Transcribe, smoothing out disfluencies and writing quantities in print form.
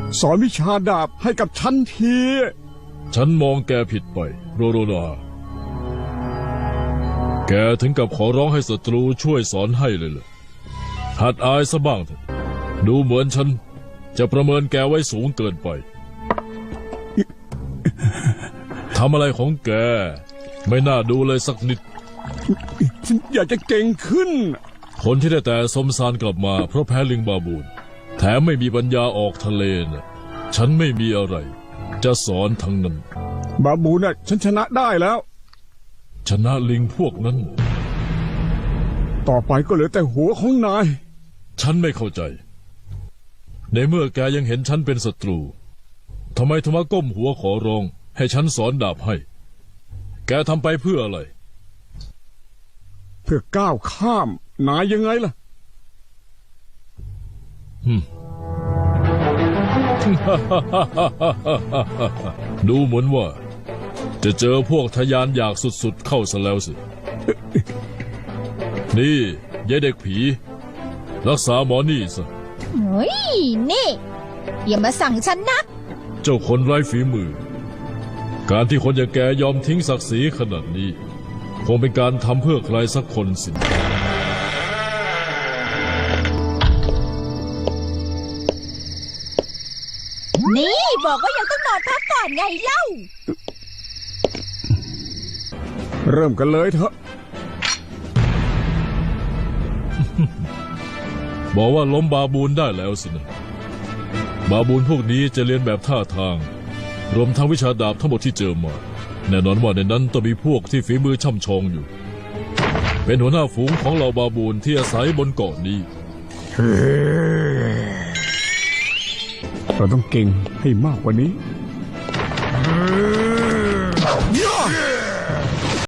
สอนวิชาดาบให้กับฉันทีฉันมองแกผิดไปโรโรนาแกถึงกับขอร้องให้ศัตรูช่วยสอนให้เลยเหรอหัดอายซะบ้างเถอะดูเหมือนฉันจะประเมินแกไว้สูงเกินไปทำอะไรของแกไม่น่าดูเลยสักนิดฉันอยากจะเก่งขึ้นคนที่ได้แต่สมสารกลับมาเพราะแพ้ลิงบาบูนแถมไม่มีปัญญาออกทะเลน่ะฉันไม่มีอะไรจะสอนทั้งนั้นบาบูน่ะฉันชนะได้แล้วชนะลิงพวกนั้นต่อไปก็เหลือแต่หัวของนายฉันไม่เข้าใจในเมื่อแกยังเห็นฉันเป็นศัตรูทำไมถึงมาก้มหัวขอร้องให้ฉันสอนดาบให้แกทำไปเพื่ออะไรเพื่อก้าวข้ามนายยังไงล่ะดูเหมือนว่าจะเจอพวกทะยานอยากสุดๆเข้าซะแล้วสิ นี่ยายเด็กผีรักษาหมอนี่ซะเฮ้ยนี่อย่ามาสั่งฉันนะเจ้าคนไร้ฝีมือการที่คนอย่างแกยอมทิ้งศักดิ์ศรีขนาดนี้คงเป็นการทำเพื่อใครสักคนสินี่บอกว่ายังต้องนอนพักก่อนไงเล่าเริ่มกันเลยเถอะบอกว่าล้มบาบูนได้แล้วสินะบาบูนพวกนี้จะเรียนแบบท่าทางรวมทั้งวิชาดาบทั้งหมดที่เจอมาแน่นอนว่าในนั้นต้องมีพวกที่ฝีมือช่ำชองอยู่เป็นหัวหน้าฝูงของเหล่าบาบูนที่อาศัยบนเกาะนี้เราต้องเก่งให้มากกว่านี้